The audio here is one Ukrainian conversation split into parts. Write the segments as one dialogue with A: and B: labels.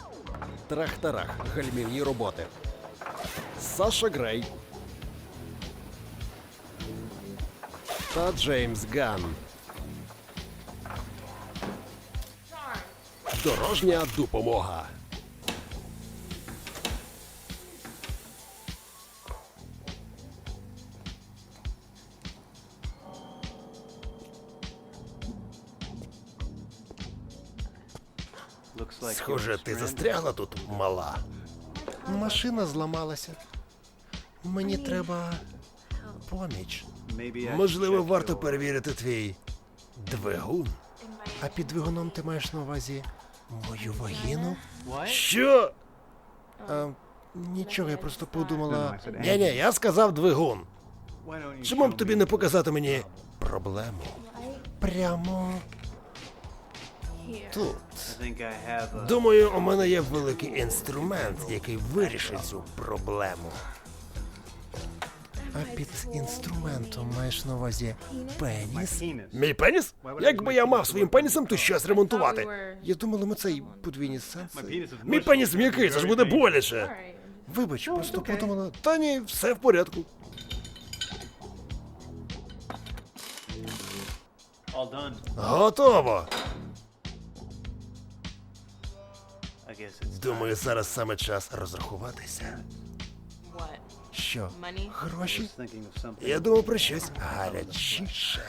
A: Трах-тарах, гальмівні роботи. Саша Грей та Джеймс Ганн. Дорожня допомога.
B: Схоже, ти застрягла тут, мала. Машина зламалася. Мені треба поміч. Можливо, варто перевірити твій двигун. А під двигуном ти маєш на увазі мою вагіну? Що? Нічого, я просто подумала. Ні-ні, я сказав двигун. Чому б тобі не показати мені проблему? Прямо тут. Думаю, у мене є великий інструмент, який вирішить цю проблему. А під інструментом маєш на увазі пеніс? Мій пеніс? Якби я мав своїм пенісом, то щось ремонтувати. Я думала, ми цей подвійні сенси. Мій пеніс м'який, це ж буде боляче. Вибач, просто подумала. Та ні, все в порядку. Готово. Думаю, зараз саме час розрахуватися. Що? Гроші? Я думав про щось гарячіше.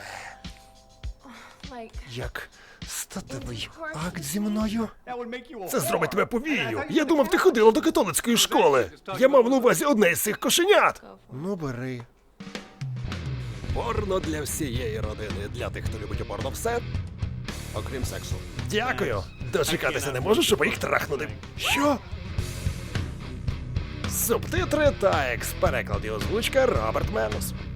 B: Як статевий акт зі мною? Це зробить тебе повією. Я думав, ти ходила до католицької школи. Я мав на увазі одне із цих кошенят. Ну, бери.
A: Порно для всієї родини. Для тих, хто любить порно все, окрім сексу.
B: Дякую. Дочекатися не можу, щоб їх трахнути. Що?
A: Субтитри та екс-переклад і озвучка Роберт Менус.